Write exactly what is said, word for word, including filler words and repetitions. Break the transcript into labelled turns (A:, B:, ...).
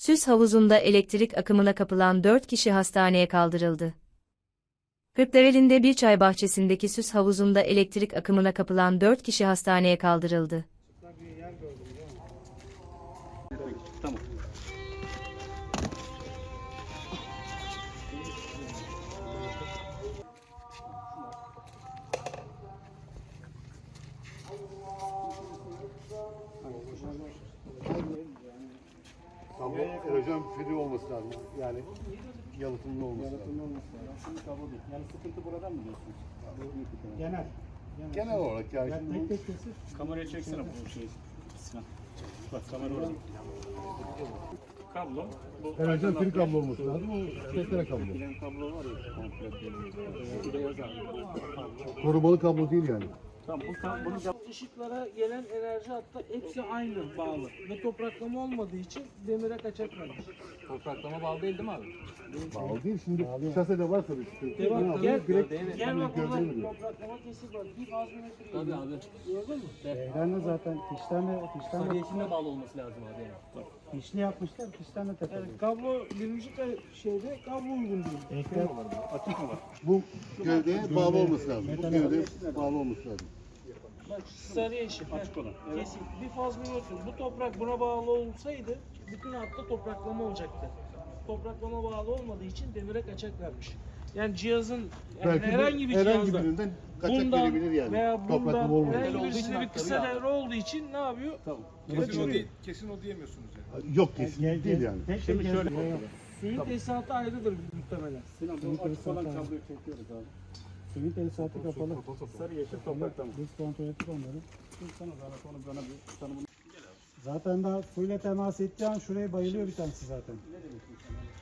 A: Süs havuzunda elektrik akımına kapılan dört kişi hastaneye kaldırıldı. Kırklareli'nde bir çay bahçesindeki süs havuzunda elektrik akımına kapılan dört kişi hastaneye kaldırıldı.
B: Tamam.
C: Kablo erojen free olması lazım. Yani yalıtımlı olması lazım.
B: Yani sıkıntı buradan mı diyorsunuz?
D: Genel.
C: Genel olarak yani şimdi
D: Tek tek kesip
B: Kameraya çeksene bu şeyi. Sinan. Bak kamera orada. Kablo. Bu
C: erojen free kablo olması lazım. O tekrar kablo.
B: Bilen kablo var ya. Komple. Ee, buraya yazar.
C: Korumalı kablo değil yani.
B: Tamam bu tam bunu yap.
D: ışıklara gelen enerji hatta hepsi aynı bağlı. Ve topraklama olmadığı için demire kaçak vermiş.
E: Topraklama bağlı değil değil mi abi?
C: Bağlı değil. Şimdi şasede varsa bir sıkıntı.
D: Bak,
C: Ne
D: gel,
C: yapıyor? Direkt
D: Gel bak burada
C: gövdeye vuruyor.
D: topraklama kesik var. Bir faz metre.
E: Tabii abi.
D: Gördün mü?
F: Ben de zaten fişlerle, fişlerle,
E: Sarıyesinde bağlı olması lazım abi yani.
F: fişli yapmışlar, fişlerle takılıyor.
D: Yani kablo birinci ka- şeyde kablo uygun değil.
F: Ekler,
B: Açık mı var?
C: Bu gövdeye bağlı olması lazım. Bu gövdeye bağlı olması lazım.
D: Bak sarı yeşil.
B: Açık olan. Evet.
D: Kesin. Bir faz milimetre. Bu toprak buna bağlı olsaydı bütün hatta topraklama olacaktı. Topraklama bağlı olmadığı için demire kaçak vermiş. Yani cihazın yani
C: Belki
D: herhangi bir
C: herhangi
D: cihazda
C: birinden kaçak
D: bundan
C: verebilir yani.
D: veya bundan
C: Topraklama olmadığı
D: herhangi
E: olduğu için
D: birisinde bir
E: hakları
D: kısa
E: ya.
D: devre olduğu için ne yapıyor?
B: Tamam.
C: Kesin o değil,
G: Kesin o diyemiyorsunuz yani.
C: için. Yok kesin
F: gel,
C: değil
F: gel,
C: yani.
F: tek
B: Şimdi
F: tek
B: şöyle-
F: yazıyor. Yok.
D: Suyun tesisatı ayrıdır muhtemelen.
B: Sinan bu açık olan kabloyu çekiyoruz abi.
F: Suyun tesisatı kapalı.
B: Sarı yeşil topraklama.
F: Biz kontrol ettik onları.
B: Sana zahmet onu bana bir tanımını.
F: Zaten daha suyla temas ettiği an şuraya bayılıyor bir tanesi zaten.
B: Ne demek bu sana?